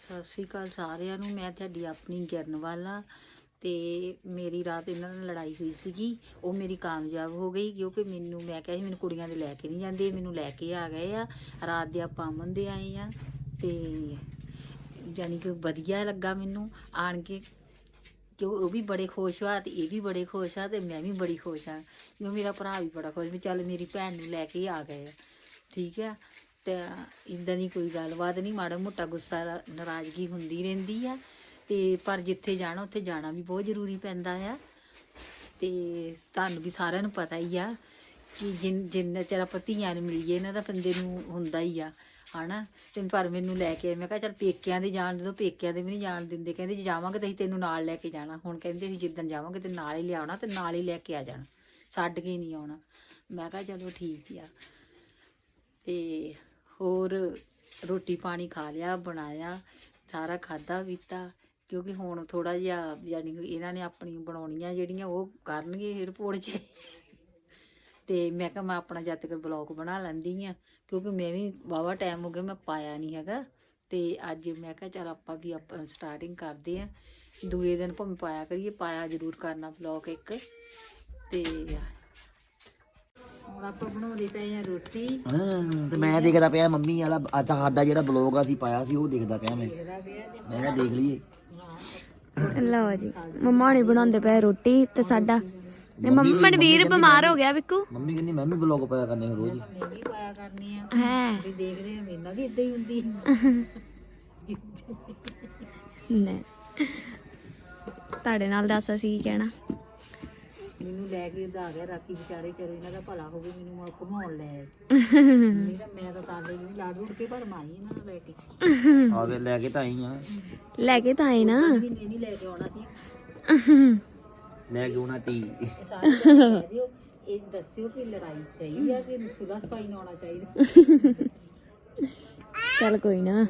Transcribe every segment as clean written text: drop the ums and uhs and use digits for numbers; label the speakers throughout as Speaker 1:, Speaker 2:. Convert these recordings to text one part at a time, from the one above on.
Speaker 1: ਸਤਿ ਸ਼੍ਰੀ ਅਕਾਲ ਸਾਰਿਆਂ ਨੂੰ। ਮੈਂ ਤੁਹਾਡੀ ਆਪਣੀ ਗਿਰਨਵਾਲਾ ਤੇ ਮੇਰੀ ਰਾਤ ਇਹਨਾਂ ਨਾਲ ਲੜਾਈ ਹੋਈ ਸੀਗੀ। ਉਹ ਮੇਰੀ ਕਾਮਯਾਬ ਹੋ ਗਈ ਕਿਉਂਕਿ ਮੈਂ ਕਿਹਾ ਸੀ ਮੈਨੂੰ ਕੁੜੀਆਂ ਦੇ ਲੈ ਕੇ ਨਹੀਂ ਜਾਂਦੇ, ਮੈਨੂੰ ਲੈ ਕੇ ਆ ਗਏ ਆ। ਰਾਤ ਦੇ ਆਪਾਂ ਅਮਨ ਦੇ ਆਏ ਆ ਤੇ ਜਾਨੀ ਕਿ ਵਧੀਆ ਲੱਗਾ ਮੈਨੂੰ ਆਣ ਕੇ, ਕਿ ਉਹ ਵੀ ਬੜੇ ਖੁਸ਼ ਆ ਤੇ ਇਹ ਵੀ ਬੜੇ ਖੁਸ਼ ਆ ਤੇ ਮੈਂ ਵੀ ਬੜੀ ਖੁਸ਼ ਆ ਕਿਉਂ ਮੇਰਾ ਭਰਾ ਵੀ ਬੜਾ ਖੁਸ਼ ਵੀ ਚੱਲ ਮੇਰੀ ਭੈਣ ਨੂੰ ਲੈ ਕੇ ਆ ਗਏ ਆ। ਠੀਕ ਆ, ਤੇ ਇੱਦਾਂ ਦੀ ਕੋਈ ਗੱਲਬਾਤ ਨਹੀਂ, ਮਾੜਾ ਮੋਟਾ ਗੁੱਸਾ ਨਾਰਾਜ਼ਗੀ ਹੁੰਦੀ ਰਹਿੰਦੀ ਆ ਤੇ ਪਰ ਜਿੱਥੇ ਜਾਣਾ ਉੱਥੇ ਜਾਣਾ ਵੀ ਬਹੁਤ ਜ਼ਰੂਰੀ ਪੈਂਦਾ ਆ। ਤੇ ਤੁਹਾਨੂੰ ਵੀ ਸਾਰਿਆਂ ਨੂੰ ਪਤਾ ਹੀ ਆ ਕਿ ਜਿੰਨਾ ਚਿਰ ਆਪਾਂ ਧੀਆਂ ਨੂੰ ਮਿਲੀਏ ਇਹਨਾਂ ਦਾ ਬੰਦੇ ਨੂੰ ਹੁੰਦਾ ਹੀ ਆ ਹਨਾ। ਤੇ ਪਰ ਮੈਨੂੰ ਲੈ ਕੇ ਮੈਂ ਕਿਹਾ ਚੱਲ ਪੇਕਿਆਂ ਦੇ ਜਾਣ ਦੇ, ਪੇਕਿਆਂ ਦੇ ਵੀ ਨਹੀਂ ਜਾਣ ਦਿੰਦੇ, ਕਹਿੰਦੇ ਜੇ ਜਾਵਾਂਗੇ ਤਾਂ ਅਸੀਂ ਤੈਨੂੰ ਨਾਲ ਲੈ ਕੇ ਜਾਣਾ। ਹੁਣ ਕਹਿੰਦੇ ਸੀ ਜਿੱਦਣ ਜਾਵਾਂਗੇ ਤੇ ਨਾਲ ਹੀ ਲਿਆਉਣਾ ਤੇ ਨਾਲ ਹੀ ਲੈ ਕੇ ਆ ਜਾਣਾ, ਛੱਡ ਕੇ ਨਹੀਂ ਆਉਣਾ। ਮੈਂ ਕਿਹਾ ਚਲੋ ਠੀਕ ਆ। ਤੇ ਹੋਰ ਰੋਟੀ ਪਾਣੀ ਖਾ ਲਿਆ, ਬਣਾਇਆ, ਸਾਰਾ ਖਾਧਾ ਪੀਤਾ ਕਿਉਂਕਿ ਹੁਣ ਥੋੜਾ ਜਿਹਾ ਯਾਨੀ ਇਹਨਾਂ ਨੇ ਆਪਣੀ ਬਣਾਉਣੀਆਂ ਜਿਹੜੀਆਂ ਉਹ ਕਰਨਗੇ ਏਅਰਪੋਰਟ 'ਚ। ਤੇ ਮੈਂ ਕਿਹਾ ਮੈਂ ਆਪਣਾ ਜਦ ਤੱਕ ਬਲੌਗ ਬਣਾ ਲੈਂਦੀ ਆ ਕਿਉਂਕਿ ਮੈਂ ਵੀ ਵਾਹਵਾ ਟਾਈਮ ਹੋ ਗਿਆ ਮੈਂ ਪਾਇਆ ਨਹੀਂ ਹੈਗਾ। ਤੇ ਅੱਜ ਮੈਂ ਕਿਹਾ ਚੱਲ ਆਪਾਂ ਵੀ ਆਪਾਂ ਸਟਾਰਟਿੰਗ ਕਰਦੇ ਆ, ਦੂਏ ਦਿਨ ਭਾਵੇਂ ਪਾਇਆ ਕਰੀਏ, ਪਾਇਆ ਜ਼ਰੂਰ ਕਰਨਾ ਬਲੌਗ ਇੱਕ। ਤੇ ਹੁਣ ਆਪਾਂ ਬਣਾਉਂਦੇ ਪਏ ਆ ਰੋਟੀ
Speaker 2: ਤੇ ਮੈਂ ਦੇਖਦਾ ਪਿਆ ਮੰਮੀ ਵਾਲਾ ਅੱਜ ਸਾਡਾ ਜਿਹੜਾ ਬਲੌਗ ਅਸੀਂ ਪਾਇਆ ਸੀ ਉਹ ਦੇਖਦਾ ਪਿਆ ਮੈਂ ਕਿਹਾ ਦੇਖ ਲਈਏ।
Speaker 3: ਲਓ ਜੀ ਮੰਮਾ ਹੁਣੀ ਬਣਾਉਂਦੇ ਪਏ ਰੋਟੀ ਤੇ ਸਾਡਾ ਮੰਮੀ ਮਨਵੀਰ ਬਿਮਾਰ ਹੋ ਗਿਆ ਵਿਕੂ।
Speaker 2: ਮੰਮੀ ਕਹਿੰਦੀ ਮੈਂ ਵੀ ਬਲੌਗ ਪਾਇਆ ਕਰਨੇ ਰੋਜ਼।
Speaker 1: ਮੈਂ ਵੀ ਪਾਇਆ ਕਰਨੀ ਆ
Speaker 3: ਹੈ
Speaker 1: ਵੀ ਦੇਖਦੇ ਆ ਮੇਰੇ ਨਾਲ ਵੀ ਇਦਾਂ ਹੀ ਹੁੰਦੀ।
Speaker 3: ਨਹੀਂ ਤੁਹਾਡੇ ਨਾਲ ਦੱਸ ਅਸੀਂ ਕੀ ਕਹਿਣਾ।
Speaker 1: ਮੈਨੂੰ ਲੈ ਕੇ ਉਧਾ ਗਿਆ ਰਾਤੀ ਵਿਚਾਰੇ, ਚਲੋ ਇਹਨਾਂ ਦਾ ਭਲਾ ਹੋਵੇ, ਮੈਨੂੰ ਘੁਮਾਉਣ ਲੈ ਆਏ। ਨਹੀਂ ਤਾਂ ਮੈਂ ਤਾਂ ਤਾਲੇ ਨੂੰ ਲਾੜ ਰੁੜ ਕੇ ਪਰ ਮਾਈ ਇਹਨਾਂ ਨੂੰ ਲੈ ਕੇ
Speaker 2: ਆ ਗਏ, ਲੈ ਕੇ ਤਾਂ ਆਈ ਆ,
Speaker 3: ਲੈ ਕੇ ਤਾਂ ਆਏ ਨਾ,
Speaker 1: ਵੀ ਨਹੀਂ ਲੈ ਕੇ ਆਉਣਾ ਸੀ।
Speaker 2: ਲੈ ਕੇ ਆਉਣਾ ਟੀ।
Speaker 1: ਸਾਰੇ ਕਹਿ ਦਿਓ, ਇਹ ਦੱਸਿਓ ਕਿ ਲੜਾਈ ਸਹੀ ਆ ਕਿ ਸੁਲਹ ਸਫਾਈ ਨਾਲ ਆਉਣਾ ਚਾਹੀਦਾ।
Speaker 3: ਚੱਲ ਕੋਈ ਨਾ।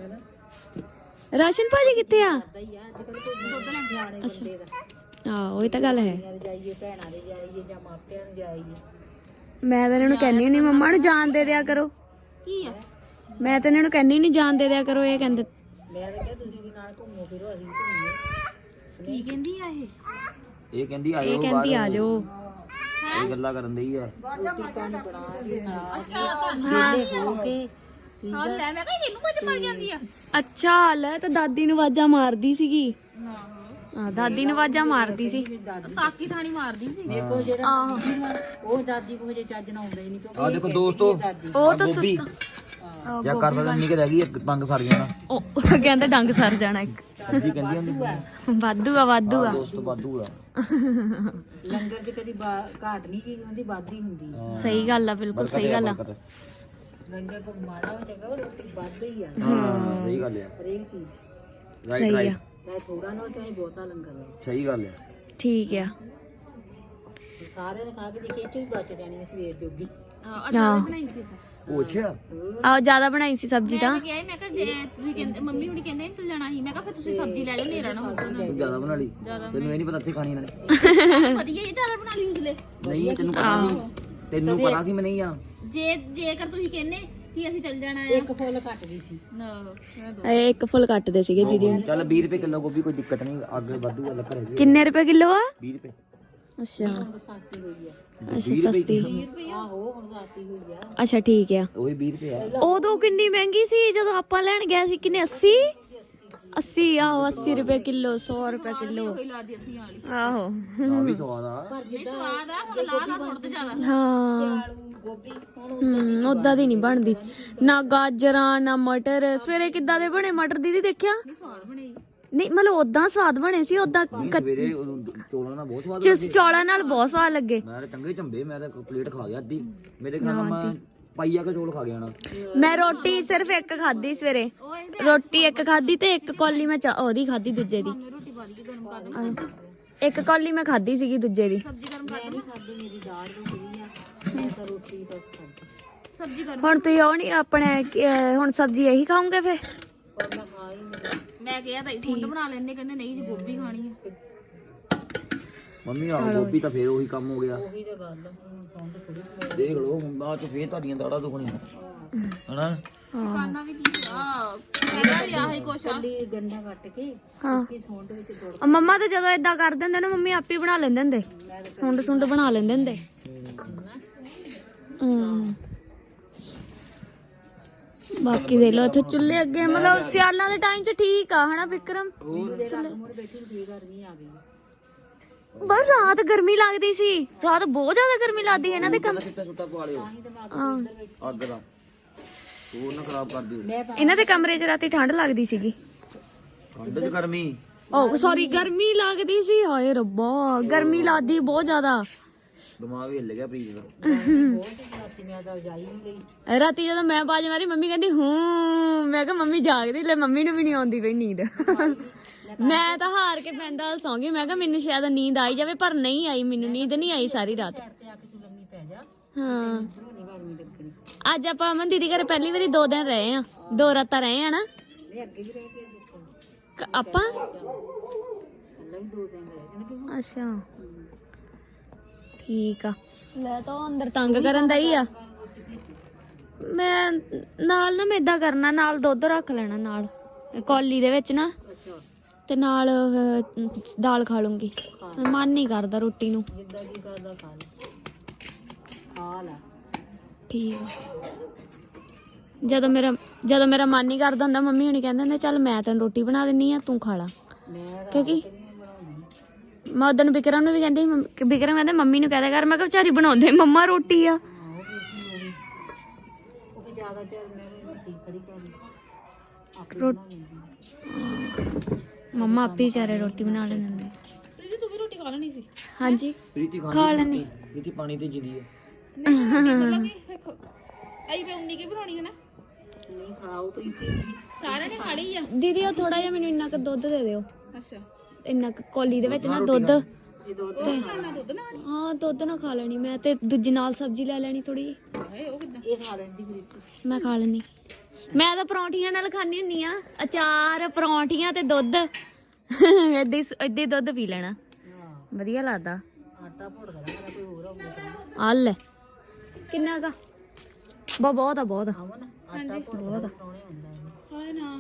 Speaker 3: ਰਾਸ਼ਨ ਭਾਜੀ ਕਿੱਥੇ ਆ?
Speaker 1: ਪਤਾ ਹੀ ਆ ਅੱਜ ਕੱਲ ਕੋਈ ਦੁੱਧ ਲੈਣ ਜਾਣੇ ਬੰਦੇ ਦਾ,
Speaker 3: ਆਹੋ ਇਹ ਤਾਂ ਗੱਲ ਹੈ।
Speaker 1: ਕੁੜੀਆਂ ਦੇ ਜਾਈਏ, ਭੈਣਾਂ ਦੇ ਜਾਈਏ ਜਾਂ ਮਾਪਿਆਂ ਨੂੰ ਜਾਈਏ।
Speaker 3: ਮੈਂ ਤਾਂ ਇਹਨਾਂ ਨੂੰ ਕਹਿੰਦੀ ਨਹੀਂ ਮੰਮਾ ਨੂੰ ਜਾਣ ਦੇ ਦਿਆ ਕਰੋ।
Speaker 1: ਕੀ ਆ
Speaker 3: ਮੈਂ ਤਾਂ ਇਹਨਾਂ ਨੂੰ ਕਹਿੰਦੀ ਨਹੀਂ ਜਾਣ ਦੇ ਦਿਆ ਕਰੋ। ਇਹ ਕਹਿੰਦੇ
Speaker 1: ਮੈਂ ਤਾਂ ਕਿਹਾ ਤੁਸੀਂ ਵੀ ਨਾਲ ਘੁੰਮੋ ਫਿਰੋ, ਅਸੀਂ ਵੀ ਘੁੰਮੀਏ। ਕੀ ਕਹਿੰਦੀ ਆ
Speaker 2: ਇਹ ਕਹਿੰਦੀ ਆਇਓ,
Speaker 3: ਇਹ ਕਹਿੰਦੀ ਆ ਜਾਓ।
Speaker 2: ਇਹ ਗੱਲਾਂ ਕਰਨ ਦਈ ਆ।
Speaker 1: ਰੋਟੀ ਪਾਣੀ ਬਣਾ ਕੇ ਵਿਹਲੇ ਹੋ ਕੇ
Speaker 4: ਹਾਂ ਲੈ ਮੈਂ ਕਿਹਾ ਇਹਨੂੰ ਕੁਝ ਮਰ ਜਾਂਦੀ ਆ।
Speaker 3: ਅੱਛਾ ਲੈ ਤਾਂ ਦਾਦੀ ਨੂੰ ਆਵਾਜ਼ਾਂ ਮਾਰਦੀ ਸੀਗੀ। ਹਾਂ ਦਾਦੀ ਨੂੰ ਆਵਾਜ਼ਾਂ ਮਾਰਦੀ ਸੀ।
Speaker 4: ਤਾਕੀ ਥਾਣੀ ਮਾਰਦੀ ਸੀ।
Speaker 1: ਦੇਖੋ ਜਿਹੜਾ ਉਹ ਦਾਦੀ ਕੋ ਜੇ ਚੱਜ ਨਾ ਆਉਂਦਾ ਹੀ ਨਹੀਂ ਕਿਉਂਕਿ
Speaker 2: ਆ ਦੇਖੋ ਦੋਸਤੋ,
Speaker 3: ਉਹ ਤਾਂ
Speaker 2: ਗੋਭੀ ਚੈੱਕ ਕਰ ਸਕਦੇ ਨਿੱਕੇ ਰਹਿ ਗਈ, ਇੱਕ ਡੰਗ ਸਰ ਜਾਣਾ।
Speaker 3: ਉਹ ਕਹਿੰਦਾ ਡੰਗ ਸਰ ਜਾਣਾ ਇੱਕ।
Speaker 2: ਜੀ ਕਹਿੰਦੀ ਹੁੰਦੀ
Speaker 3: ਵਾਧੂ ਆ ਵਾਧੂ ਆ।
Speaker 2: ਦੋਸਤੋ ਵਾਧੂ ਆ।
Speaker 1: ਲੰਗਰ 'ਚ ਕਦੀ ਘਾਟ ਨਹੀਂ ਚੀਜ਼ ਹੁੰਦੀ, ਵੱਧ ਹੀ ਹੁੰਦੀ ਆ।
Speaker 3: ਸਹੀ ਗੱਲ ਆ, ਬਿਲਕੁਲ ਸਹੀ ਗੱਲ ਆ।
Speaker 1: ਲੰਗਰ ਤੋਂ ਮਾੜਾ ਹੋ ਚੰਗਾ ਉਹ ਰੋਟੀ ਵੱਧ ਹੀ ਆ
Speaker 2: ਹਾਂ ਸਹੀ ਗੱਲ ਆ,
Speaker 1: ਹਰੇਕ ਚੀਜ਼
Speaker 2: ਰਾਈਟ
Speaker 3: ਸਹੀ ਆ,
Speaker 2: ਰਾਈਟ,
Speaker 1: ਚਾਹੇ ਥੋੜਾ ਨਾ ਚਾਹੇ ਬਹੁਤਾ ਲੰਗਰ ਹੋ।
Speaker 2: ਸਹੀ ਗੱਲ ਆ।
Speaker 3: ਠੀਕ ਆ।
Speaker 1: ਸਾਰਿਆਂ ਨੇ ਖਾ ਕੇ ਦੇਖੇ, ਇਹ 'ਚ ਵੀ ਬਚ ਜਾਣੀ ਆ ਸਵੇਰ ਜੋਗੀ।
Speaker 4: ਅਚਾਰ ਬਣਾਈ ਸੀ
Speaker 2: ਉਹ ਅੱਛਾ
Speaker 3: ਆਹ ਜ਼ਿਆਦਾ ਬਣਾਈ ਸੀ ਸਬਜ਼ੀ ਤਾਂ।
Speaker 4: ਮੈਂ ਕਿਹਾ ਮੈਂ ਕਿਹਾ ਜੇ ਤੁਸੀਂ ਕਹਿੰਦੇ ਮੰਮੀ ਹੁਣੀ ਕਹਿੰਦੇ ਤੂੰ ਲੈਣਾ ਸੀ, ਮੈਂ ਕਿਹਾ ਫਿਰ ਤੁਸੀਂ ਸਬਜ਼ੀ ਲੈ ਲਿਓ, ਨੇਰਾ ਨਾ ਹੋਊਗਾ ਨਾ।
Speaker 2: ਤੂੰ ਜ਼ਿਆਦਾ ਬਣਾ ਲਈ, ਤੈਨੂੰ ਇਹ ਨਹੀਂ ਪਤਾ ਇੱਥੇ ਖਾਣੀ ਇਹਨਾਂ ਨੇ।
Speaker 4: ਵਧੀਆ ਇਹ ਜ਼ਿਆਦਾ ਬਣਾ ਲਈ ਉਸਲੇ।
Speaker 2: ਨਹੀਂ ਤੈਨੂੰ ਪਤਾ ਸੀ, ਤੈਨੂੰ ਪਤਾ ਸੀ ਮੈਂ ਨਹੀਂ ਆ।
Speaker 4: ਜੇਕਰ ਤੁਸੀਂ ਕਹਿੰਦੇ ਕਿ ਅਸੀਂ ਚੱਲ ਜਾਣਾ ਆ।
Speaker 1: ਇੱਕ ਫੁੱਲ ਕੱਟ ਗਈ ਸੀ।
Speaker 3: ਇਹ ਇੱਕ ਫੁੱਲ ਕੱਟਦੇ ਸੀਗੇ ਦੀਦੀ ਨੇ।
Speaker 2: ਚੱਲ 20 ਰੁਪਏ ਕਿਲੋ ਗੋਭੀ, ਕੋਈ ਦਿੱਕਤ ਨਹੀਂ, ਅੱਗੇ ਵਾਧੂ ਆ ਲੱਕੜ ਹੈਗੀ।
Speaker 3: ਕਿੰਨੇ ਰੁਪਏ ਕਿਲੋ ਆ?
Speaker 2: 20 ਰੁਪਏ।
Speaker 3: ਅੱਛਾ
Speaker 1: ਹੁਣ ਸਸਤੀ ਹੋਈ ਆ।
Speaker 3: ਅੱਛਾ ਸਸਤੀ।
Speaker 1: ਆਹੋ ਹੁਣ ਸਸਤੀ ਹੋਈ ਆ।
Speaker 3: ਅੱਛਾ ਠੀਕ ਆ।
Speaker 2: ਉਹੀ 20 ਰੁਪਏ ਆ।
Speaker 3: ਉਦੋਂ ਕਿੰਨੀ ਮਹਿੰਗੀ ਸੀ ਜਦੋਂ ਆਪਾਂ ਲੈਣ ਗਏ ਸੀ? ਕਿੰਨੇ 80 ਆਹੋ 80 ਰੁਪਏ ਕਿਲੋ, 100 ਰੁਪਏ ਕਿਲੋ।
Speaker 4: ਕੋਈ ਲਾ ਦੀ ਅਸੀਂ ਵਾਲੀ
Speaker 3: ਆਹੋ
Speaker 2: ਆ ਵੀ ਸਵਾਦ ਆ।
Speaker 4: ਸਵਾਦ ਆ, ਪਰ ਲਾ ਲਾ ਥੋੜਾ ਜ਼ਿਆਦਾ।
Speaker 3: ਹਾਂ
Speaker 1: ਗੋਭੀ ਹੁਣ
Speaker 3: ਉਦਾਂ ਦੀ ਨਹੀਂ ਬਣਦੀ ਨਾ। ਗਾਜਰਾਂ ਨਾ ਮਟਰ। ਸਵੇਰੇ ਕਿੱਦਾਂ ਦੇ ਬਣੇ ਮਟਰ ਦੀਦੀ ਦੇਖਿਆ?
Speaker 4: ਸਵਾਦ ਬਣਾਈ
Speaker 3: ਨਹੀਂ ਮਤਲਬ ਉਦਾਂ ਸਵਾਦ ਬਣੇ ਸੀ। ਉਦਾਂ
Speaker 2: ਸਵੇਰੇ ਚੋਲਾਂ ਨਾਲ ਬਹੁਤ ਸਵਾਦ
Speaker 3: ਚੌਲਾਂ ਨਾਲ ਬਹੁਤ ਸਵਾਦ ਲੱਗੇ।
Speaker 2: ਮੈਂ ਤਾਂ ਚੰਗੇ ਝੰਬੇ, ਮੈਂ ਤਾਂ ਪਲੇਟ ਖਾ ਗਿਆ ਅੱਧੀ। ਮੇਰੇ ਖਿਆਲ ਨਾਲ ਮੈਂ ਪਾਈਆ ਕੇ ਚੌਲ ਖਾ ਗਿਆ ਨਾ।
Speaker 3: ਮੈਂ ਰੋਟੀ ਸਿਰਫ ਇੱਕ ਖਾਧੀ ਸਵੇਰੇ, ਰੋਟੀ ਇੱਕ ਖਾਧੀ ਤੇ ਇੱਕ ਕੌਲੀ ਮੈਂ ਉਹਦੀ ਖਾਧੀ ਦੂਜੇ ਦੀ।
Speaker 4: ਰੋਟੀ ਬਾਰੀ ਗਰਮ ਕਰ ਦੇ,
Speaker 3: ਇੱਕ ਕੌਲੀ ਮੈਂ ਖਾਧੀ ਸੀਗੀ ਦੂਜੇ ਦੀ।
Speaker 4: ਸਬਜ਼ੀ ਗਰਮ ਕਰ ਦੇ।
Speaker 1: ਖਾਦੀ ਮੇਰੀ ਦਾਲ ਰੁਕੀ ਆ, ਮੈਂ ਤਾਂ ਰੋਟੀ ਬਸ ਖਾਦੀ।
Speaker 4: ਸਬਜ਼ੀ ਗਰਮ
Speaker 3: ਹੁਣ ਤੁਸੀਂ ਉਹ ਨਹੀਂ ਆਪਣੇ ਹੁਣ ਸਬਜ਼ੀ ਇਹੀ ਖਾਓਗੇ ਫਿਰ?
Speaker 1: ਪਰ ਮੈਂ ਖਾ ਹੀ ਨਹੀਂ।
Speaker 4: ਮੈਂ ਕਿਹਾ ਤਾਂ ਸੁੰਡ ਬਣਾ ਲੈਣੇ, ਕਹਿੰਦੇ ਨਹੀਂ ਜੀ ਗੋਭੀ ਖਾਣੀ ਹੈ।
Speaker 2: ਮੰਮੀ ਆ ਗੋਭੀ ਤਾਂ ਫੇਰ ਉਹੀ ਕੰਮ ਹੋ ਗਿਆ।
Speaker 1: ਉਹੀ ਤਾਂ ਗੱਲ ਆ, ਹੁਣ ਸੌਂਦ ਥੋੜੀ
Speaker 2: ਦੇਖ ਲਓ ਹੁਣ ਬਾਅਦ ਚ ਫੇਰ ਤੁਹਾਡੀਆਂ ਦਾੜਾਂ ਦੁਖਣੀਆਂ ਹਨਾ।
Speaker 4: ਕਰਨਾ ਵੀ ਕੀ ਆ ਪਹਿਲਾਂ ਵੀ ਆਹੀ ਕੁਛ ਆ
Speaker 1: ਕੱਲੀ ਗੰਡਾ ਕੱਟ ਕੇ
Speaker 3: ਹਾਂ
Speaker 1: ਕਿ ਸੌਂਡ ਵਿੱਚ ਤੋੜ
Speaker 3: ਆ ਮੰਮਾ ਤੇ ਜਦੋਂ ਏਦਾਂ ਕਰ ਦਿੰਦੇ ਨਾ ਮੰਮੀ ਆਪੇ ਬਣਾ ਲੈਂਦੇ ਹੁੰਦੇ ਸੁੰਡ ਬਣਾ ਲੈਂਦੇ ਹੁੰਦੇ ਬਾਕੀ ਦੇ ਲੋ ਇੱਥੇ ਚੁੱਲ੍ਹੇ ਅੱਗੇ ਮਤਲਬ ਸਿਆਲਾਂ ਦੇ ਟਾਈਮ 'ਚ ਠੀਕ ਆ ਹਨਾ ਵਿਕਰਮ
Speaker 1: ਮੋਰ ਬੈਠੀ ਫੇਰ ਗਰਮੀ ਆ ਗਈ
Speaker 3: ਬਸ ਰਾਤ ਗਰਮੀ ਲੱਗਦੀ ਸੀ ਰਾਤ ਬਹੁਤ ਜ਼ਿਆਦਾ ਗਰਮੀ ਲੱਗਦੀ ਇਹਨਾਂ ਦੇ ਕੰਮ
Speaker 2: ਸਿੱਟਾ ਸੁੱਟਾ ਪਵਾ ਲਿਓ
Speaker 3: ਹਾਂ
Speaker 2: ਅੱਗ ਦਾ ਹੋਰ ਨਾ ਖਰਾਬ ਕਰ ਦਿਓ
Speaker 3: ਇਹਨਾਂ ਦੇ ਕਮਰੇ 'ਚ ਰਾਤੀ ਠੰਡ ਲੱਗਦੀ ਸੀਗੀ
Speaker 2: ਠੰਡ ਚ ਗਰਮੀ
Speaker 3: ਓ ਸੌਰੀ ਗਰਮੀ ਲੱਗਦੀ ਸੀ ਹਾਏ ਰੱਬਾ ਗਰਮੀ ਲੱਗਦੀ ਬਹੁਤ ਜ਼ਿਆਦਾ
Speaker 2: ਦਿਮਾਗ ਹਿੱਲ ਗਿਆ ਪ੍ਰੀਤ ਦਾ
Speaker 1: ਰਾਤੀ ਮੈਂ ਤਾਂ ਜਾਈ ਨਹੀਂ ਲਈ
Speaker 3: ਰਾਤੀ ਜਦੋਂ ਮੈਂ ਬਾਜ ਮਾਰੀ ਮੰਮੀ ਕਹਿੰਦੀ ਹੂੰ ਮੈਂ ਕਿਹਾ ਮੰਮੀ ਜਾਗਦੀ ਲੈ ਮੰਮੀ ਨੂੰ ਵੀ ਨਹੀਂ ਆਉਂਦੀ ਪਈ ਨੀਂਦ ਮੈਂ ਤਾਂ ਹਾਰ ਕੇ ਪੈਂਦਾ ਹਲ ਸੌਂ ਗਈ ਮੈਂ ਕਿਹਾ ਮੈਨੂੰ ਸ਼ਾਇਦ ਨੀਂਦ ਆਈ ਜਾਵੇ ਪਰ ਨਹੀਂ ਆਈ ਮੈਨੂੰ ਨੀਂਦ ਨਹੀਂ ਆਈ ਸਾਰੀ ਰਾਤ
Speaker 1: ਤੇ ਆ ਕੇ ਤੂੰ ਲੰਮੀ ਪੈ ਜਾ
Speaker 3: ਹਾਂ
Speaker 1: ਇਧਰੋਂ ਨਹੀਂ ਗਰਮੀ ਲੱਗਣੀ
Speaker 3: ਅੱਜ ਆਪਾਂ ਅਮਨ ਦੀਦੀ ਘਰੇ ਪਹਿਲੀ ਵਾਰੀ 2 ਦਿਨ ਰਹੇ ਆ 2 ਰਾਤਾਂ ਰਹੇ ਆ ਨਾ
Speaker 1: ਨਹੀਂ ਅੱਗੇ ਵੀ ਰਹਿ ਕੇ ਸੀ
Speaker 3: ਆਪਾਂ
Speaker 1: ਅੱਲਾ ਵੀ 2 ਦਿਨ ਰਹੇ ਸੀ ਨਾ
Speaker 3: ਅੱਛਾ ਠੀਕ ਆ ਲੈ ਤਾਂ ਉਹ ਅੰਦਰ ਤੰਗ ਕਰਨ ਦਾ ਹੀ ਆ ਮੈਂ ਨਾਲ ਨਾ ਮੈਂ ਏਦਾਂ ਕਰਨਾ ਨਾਲ ਦੁੱਧ ਰੱਖ ਲੈਣਾ ਨਾਲ ਕੌਲੀ ਦੇ ਵਿੱਚ ਨਾ
Speaker 1: ਅੱਛਾ
Speaker 3: ਤੇ ਨਾਲ ਦਾਲ ਖਾ ਲੂੰਗੀ ਮਨ ਨਹੀਂ ਕਰਦਾ ਰੋਟੀ ਨੂੰ
Speaker 1: ਜਿੱਦਾਂ ਕੀ ਕਰਦਾ ਖਾ ਲੈ
Speaker 3: ਠੀਕ ਆ ਜਦੋਂ ਮੇਰਾ ਮਨ ਨਹੀਂ ਕਰਦਾ ਹੁੰਦਾ ਮੰਮੀ ਹੁਣੀ ਕਹਿੰਦੇ ਹੁੰਦੇ ਚੱਲ ਮੈਂ ਤੈਨੂੰ ਰੋਟੀ ਬਣਾ ਦਿੰਨੀ ਆ ਤੂੰ ਖਾ ਲਾ
Speaker 1: ਮੈਂ
Speaker 3: ਕਿਉਂਕਿ ਮੈਂ ਉਦੋਂ ਵਿਕਰਮ ਨੂੰ ਵੀ ਕਹਿੰਦੀ ਸੀ, ਵਿਕਰਮ ਕਹਿੰਦੇ ਮੰਮੀ ਨੂੰ ਕਹਿ ਕਰ ਮੈਂ ਕਿਹਾ ਵਿਚਾਰੀ ਬਣਾਉਂਦੇ ਮੰਮਾ ਰੋਟੀ ਆ
Speaker 1: ਉਹ ਵੀ ਜ਼ਿਆਦਾ ਚਿਰ ਮੈਂ ਰੋਟੀ ਖੜੀ ਕਰ ਲਈ ਆਪੇ
Speaker 3: ਰੋ-
Speaker 1: ਬਣਾ ਲੈਂਦੀ
Speaker 3: ਮੰਮਾ ਆਪੇ ਵਿਚਾਰੇ ਰੋਟੀ ਬਣਾ ਲੈਂਦੇ ਹੁੰਦੇ
Speaker 4: ਪ੍ਰੀਤੀ ਤੂੰ ਵੀ ਰੋਟੀ ਖਾ ਲੈਣੀ ਸੀ
Speaker 3: ਹਾਂਜੀ
Speaker 2: ਪ੍ਰੀਤੀ
Speaker 3: ਖਾ ਲੈਣੀ
Speaker 2: ਪ੍ਰੀਤੀ ਪਾਣੀ ਤੇ ਜਿੰਦੀ ਹੈ
Speaker 4: ਵੇਖੋ ਆਈ ਮੈਂ ਉਨੀ ਕੀ ਬਣਾਉਣੀ ਹੈ ਨਾ
Speaker 1: ਨਹੀਂ ਖਾਓ ਪ੍ਰੀਤੀ
Speaker 4: ਸਾਰਿਆਂ ਨੇ ਖਾ ਲਈ ਆ
Speaker 3: ਦੀਦੀ ਉਹ ਥੋੜਾ ਜਿਹਾ ਮੈਨੂੰ ਇੰਨਾ ਕੁ ਦੁੱਧ ਦੇ ਦਿਓ
Speaker 4: ਅੱਛਾ
Speaker 3: ਇੰਨਾ ਕੁ ਕੌਲੀ ਦੇ ਵਿੱਚ ਨਾ ਦੁੱਧ
Speaker 1: ਇਹ ਦੋ
Speaker 4: ਖਾਣਾ ਦੁੱਧ ਨਾਲ
Speaker 3: ਹਾਂ ਦੁੱਧ ਨਾ ਖਾ ਲੈਣੀ ਮੈਂ ਤੇ ਦੂਜੀ ਨਾਲ ਸਬਜ਼ੀ ਲੈ ਲੈਣੀ ਥੋੜੀ
Speaker 4: ਹਾਏ ਉਹ ਕਿਦਾਂ
Speaker 1: ਇਹ ਖਾ ਲੈਂਦੀ ਪ੍ਰੀਤੀ
Speaker 3: ਮੈਂ ਖਾ ਲੈਣੀ ਮੈਂ ਤਾਂ ਪਰੌਂਠੀਆਂ ਨਾਲ ਖਾਣੀ ਹੁੰਨੀ ਆ ਅਚਾਰ ਪਰੌਂਠੀਆਂ ਤੇ ਦੁੱਧ ਏਦਾਂ ਦੁੱਧ ਪੀ ਲੈਣਾ
Speaker 1: ਹਾਂ
Speaker 3: ਵਧੀਆ ਲੱਗਦਾ
Speaker 1: ਆਟਾ ਭੁੱਟ ਦੇਣਾ ਮੇਰਾ ਕੋਈ ਹੋਰ ਹੋਊਗਾ
Speaker 3: ਆ ਲੈ ਕਿੰਨਾ ਕਾ ਬਹੁਤ ਆ ਬਹੁਤ ਆ
Speaker 1: ਆਵੋ ਨਾ ਆਟਾ ਭੁੱਟ ਦੇਣਾ ਪਰੌਣੇ ਹੁੰਦਾ ਇਹ
Speaker 4: ਹਾਏ ਨਾ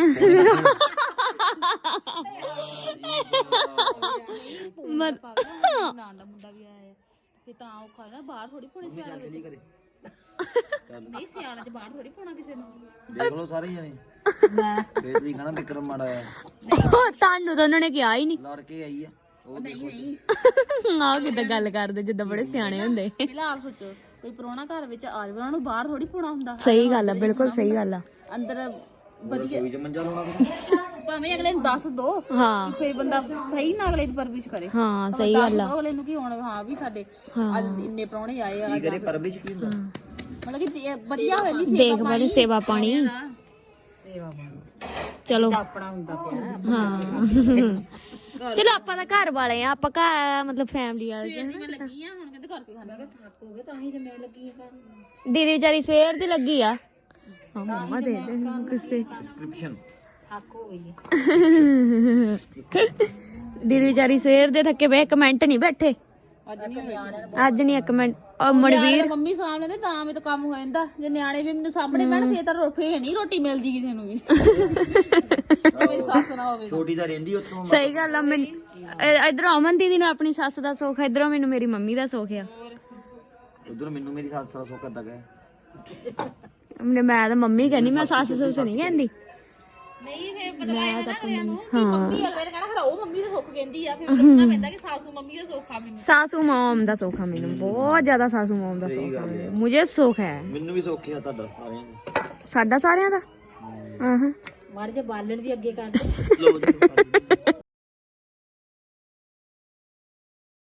Speaker 3: ਮਤ
Speaker 4: ਨਾਂ ਦਾ ਮੁੰਡਾ ਵੀ ਆਇਆ ਤੇ ਤਾਂ ਉਹ ਖਾਣਾ ਬਾਹਰ ਥੋੜੀ ਪਾਉਣੀ ਸਿਆਣਾ ਵਿੱਚ ਨਹੀਂ ਸਿਆਣਾ ਚ ਬਾਹਰ ਥੋੜੀ ਪਾਉਣਾ ਕਿਸੇ ਨੂੰ
Speaker 2: ਦੇਖ ਲਓ ਸਾਰੇ ਜਣੇ ਫੇਰ ਵੀ ਕਹਣਾ ਵਿਕਰਮ ਮਾੜਾ ਆ
Speaker 3: ਤੁਹਾਨੂੰ ਤਾਂ ਉਹਨਾਂ ਨੇ ਕਿਹਾ ਹੀ ਨਹੀਂ
Speaker 2: ਲੜ ਕੇ ਆਈ ਆ ਉਹ
Speaker 4: ਨਹੀਂ ਨਹੀਂ
Speaker 3: ਆਹ ਕਿੱਦਾਂ ਗੱਲ ਕਰਦੇ ਜਿੱਦਾਂ ਬੜੇ ਸਿਆਣੇ ਹੁੰਦੇ
Speaker 4: ਪਹਿਲਾਂ ਆਪ ਸੋਚੋ ਕੋਈ ਪ੍ਰਾਹੁਣਾ ਘਰ ਵਿੱਚ ਆ ਜਾਵੇ ਉਹਨਾਂ ਨੂੰ ਬਾਹਰ ਥੋੜੀ ਪਾਉਣਾ ਹੁੰਦਾ
Speaker 3: ਸਹੀ ਗੱਲ ਆ ਬਿਲਕੁਲ ਸਹੀ ਗੱਲ ਆ
Speaker 4: ਅੰਦਰ ਵਧੀਆ
Speaker 2: ਕੋਈ ਜ ਮੰਜਾ ਲਾਉਣਾ ਤੁਸੀਂ
Speaker 4: ਭਾਵੇਂ ਅਗਲੇ ਨੂੰ ਦੱਸ ਦੋ
Speaker 3: ਹਾਂ
Speaker 4: ਫਿਰ ਬੰਦਾ ਸਹੀ ਨਾ ਅਗਲੇ ਦੀ ਪਰਵਿਸ਼ ਕਰੇ
Speaker 3: ਹਾਂ ਸਹੀ ਗੱਲ ਆ
Speaker 4: ਅਗਲੇ ਨੂੰ ਕੀ ਹੋਣਾ ਹਾਂ ਵੀ ਸਾਡੇ
Speaker 3: ਹਾਂ।
Speaker 4: ਅੱਜ ਇੰਨੇ ਪ੍ਰਾਹੁਣੇ ਆਏ ਆ
Speaker 2: ਕੀ ਕਰੇ ਪਰਵਿਸ਼ ਕੀ ਹੁੰਦਾ
Speaker 4: ਮਤਲਬ ਕਿ ਵਧੀਆ ਹੋਵੇ ਨਹੀਂ
Speaker 3: ਦੇਖ ਬੜੀ ਸੇਵਾ ਪਾਣੀ
Speaker 1: ਸੇਵਾ ਬਣ
Speaker 3: ਚਲੋ
Speaker 1: ਆਪਣਾ ਹੁੰਦਾ ਪਿਆ
Speaker 3: ਹਾਂ ਚਲੋ ਆਪਾਂ ਤਾਂ ਘਰ ਵਾਲੇ ਆ ਆਪਾਂ ਘਰ ਮਤਲਬ ਫੈਮਿਲੀ ਵਾਲੇ
Speaker 4: ਮੈਂ ਲੱਗੀ ਆ ਹੁਣ ਕਹਿੰਦੇ ਕਰਕੇ ਖਾਣਾ
Speaker 1: ਥੱਕ ਹੋ ਗਏ ਤਾਂ ਹੀ ਤੇ ਮੈਂ ਲੱਗੀ ਆ ਕਰਨ
Speaker 3: ਦੀਦੀ ਵਿਚਾਰੀ ਸਵੇਰ ਦੀ ਲੱਗੀ ਆ ਹਾਂ ਮੰਮਾ ਦੇ ਦੇ ਗੁੱਸੇ
Speaker 2: ਡਿਸਕ੍ਰਿਪਸ਼ਨ
Speaker 1: ਥੱਕ ਹੋ ਗਈ ਹੈ
Speaker 3: ਦੀਦੀ ਵਿਚਾਰੀ ਸਵੇਰ ਦੇ ਥੱਕੇ ਪਏ ਕਮੈਂਟ ਨਹੀਂ ਬੈਠੇ
Speaker 4: ਅੱਜ ਨਹੀਂ ਹੋਇਆ
Speaker 3: ਅੱਜ ਨਹੀਂ ਇੱਕ ਮਿੰਟ ਉਹ ਮਨਵੀਰ
Speaker 4: ਮੰਮੀ ਸਾਹਮਣੇ ਤੇ ਤਾਂ ਮੇਰੇ ਤੋਂ ਕੰਮ ਹੋ ਜਾਂਦਾ ਜੇ ਨਿਆਣੇ ਵੀ ਮੈਨੂੰ ਸਾਹਮਣੇ ਬੈਣ ਫੇਰ ਤਾਂ ਫੇਰ ਨਹੀਂ ਰੋਟੀ ਮਿਲਦੀ ਕਿਸੇ ਨੂੰ ਵੀ ਜੇ ਮੇਰੀ ਸੱਸ ਨਾ ਹੋਵੇ
Speaker 2: ਛੋਟੀ ਤਾਂ ਰਹਿੰਦੀ ਉੱਥੋਂ
Speaker 3: ਸਹੀ ਗੱਲ ਆ ਮੈਂ ਇਧਰੋਂ ਅਮਨ ਦੀਦੀ ਨੂੰ ਆਪਣੀ ਸੱਸ ਦਾ ਸੁੱਖ ਆ ਇਧਰੋਂ ਮੈਨੂੰ ਮੇਰੀ ਮੰਮੀ ਦਾ ਸੁੱਖ ਆ
Speaker 2: ਉਧਰ ਮੈਨੂੰ ਮੇਰੀ ਸੱਸ ਦਾ ਸੁੱਖ ਕਰਦਾ ਗਿਆ
Speaker 3: ਮੈਂ ਤਾਂ ਮੰਮੀ ਕਹਿੰਦੀ ਮੈਂ ਸੱਸ ਸੁੱਸ ਨਹੀਂ ਕਹਿੰਦੀ
Speaker 4: ਨਹੀਂ ਫੇਰ ਪਤਾ ਲੱਗ ਜਾਂਦਾ ਅਗਲਿਆਂ ਨੂੰ ਕਿ ਮੰਮੀ ਅਗਲੇ ਨੇ ਕਹਿਣਾ ਫਿਰ ਉਹ ਮੰਮੀ ਦਾ ਸੁੱਖ ਕਹਿੰਦੀ ਆ ਫਿਰ ਦੱਸਣਾ ਪੈਂਦਾ ਕਿ ਸਾਸੂ ਮੰਮੀ ਦਾ ਸੁੱਖ ਆ ਮੈਨੂੰ
Speaker 3: ਸਾਸੂ ਮੋਮ ਦਾ ਸੁੱਖ ਆ ਮੈਨੂੰ ਬਹੁਤ ਜ਼ਿਆਦਾ ਸਾਸੂ ਮੋਮ ਦਾ ਸੁੱਖ ਆ ਮੁਝੇ ਸੁੱਖ ਹੈ
Speaker 2: ਮੈਨੂੰ ਵੀ ਸੁੱਖ ਆ ਤੁਹਾਡਾ ਸਾਰਿਆਂ ਦਾ
Speaker 3: ਸਾਡਾ ਸਾਰਿਆਂ ਦਾ ਹਾਂ
Speaker 1: ਮਾੜੇ ਜੇ ਬਾਲਣ ਵੀ ਅੱਗੇ ਕਰ ਦੇ
Speaker 2: ਲੋ ਜੀ